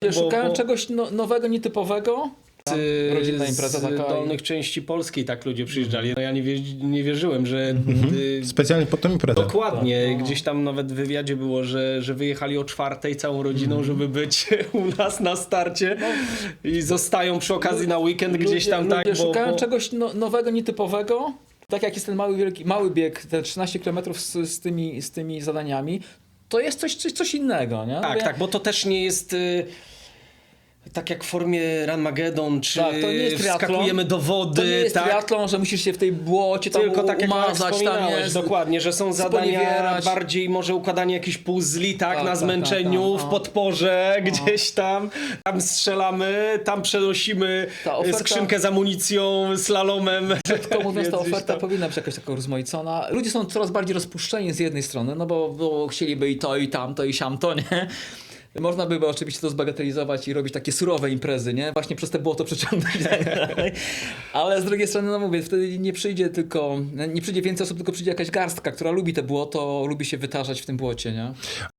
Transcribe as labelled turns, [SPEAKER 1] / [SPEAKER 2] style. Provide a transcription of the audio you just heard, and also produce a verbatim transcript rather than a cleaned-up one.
[SPEAKER 1] Bo,
[SPEAKER 2] Szukałem
[SPEAKER 1] bo...
[SPEAKER 2] czegoś no, nowego, nietypowego.
[SPEAKER 1] Z,
[SPEAKER 2] Rodzinna impreza
[SPEAKER 1] z
[SPEAKER 2] taka.
[SPEAKER 1] dolnych części Polski tak ludzie przyjeżdżali. No ja nie, wierzy, nie wierzyłem, że...
[SPEAKER 3] Mhm.
[SPEAKER 1] y,
[SPEAKER 3] Specjalnie pod tą imprezę.
[SPEAKER 1] Dokładnie.
[SPEAKER 2] Tak, no.
[SPEAKER 1] Gdzieś tam nawet w wywiadzie było, że, że wyjechali o czwartej całą rodziną, żeby być u nas na starcie i zostają przy okazji na weekend gdzieś tam
[SPEAKER 2] ludzie,
[SPEAKER 1] tak.
[SPEAKER 2] ludzie
[SPEAKER 1] Bo,
[SPEAKER 2] szukałem
[SPEAKER 1] bo...
[SPEAKER 2] czegoś no, nowego, nietypowego. Tak jak jest ten mały, wielki, mały bieg, te trzynaście kilometrów z, z, tymi, z tymi zadaniami, to jest coś, coś, coś innego, nie?
[SPEAKER 1] Tak,
[SPEAKER 2] Wie-
[SPEAKER 1] tak, bo to też nie jest... Y... Tak jak w formie Runmageddon, czy
[SPEAKER 2] Tak, to nie jest triatlon.
[SPEAKER 1] wskakujemy do wody,
[SPEAKER 2] To nie jest
[SPEAKER 1] tak?
[SPEAKER 2] triatlon, że musisz się w tej błocie tam
[SPEAKER 1] Tylko tak jak
[SPEAKER 2] umazać, tam
[SPEAKER 1] wspominałeś,
[SPEAKER 2] jest,
[SPEAKER 1] dokładnie, że są zadania
[SPEAKER 2] sponiewierać.
[SPEAKER 1] bardziej może układanie jakichś puzli, tak,
[SPEAKER 2] Tak,
[SPEAKER 1] na
[SPEAKER 2] tak,
[SPEAKER 1] zmęczeniu,
[SPEAKER 2] tak, tak,
[SPEAKER 1] w
[SPEAKER 2] no.
[SPEAKER 1] podporze, gdzieś tam, tam strzelamy, tam przenosimy
[SPEAKER 2] Ta oferta-
[SPEAKER 1] skrzynkę z amunicją, slalomem.
[SPEAKER 2] Krótko mówiąc, ta
[SPEAKER 1] Więc gdzieś
[SPEAKER 2] oferta
[SPEAKER 1] tam-
[SPEAKER 2] powinna być jakaś taka rozmaicona. Ludzie są coraz bardziej rozpuszczeni z jednej strony, no bo, bo chcieliby i to, i tamto, i siamto, nie? Można by oczywiście to zbagatelizować i robić takie surowe imprezy, nie? Właśnie przez te błoto przeciągnąć i tak dalej. Ale z drugiej strony, no mówię, wtedy nie przyjdzie tylko, nie przyjdzie więcej osób, tylko przyjdzie jakaś garstka, która lubi te błoto, lubi się wytarzać w tym błocie, nie?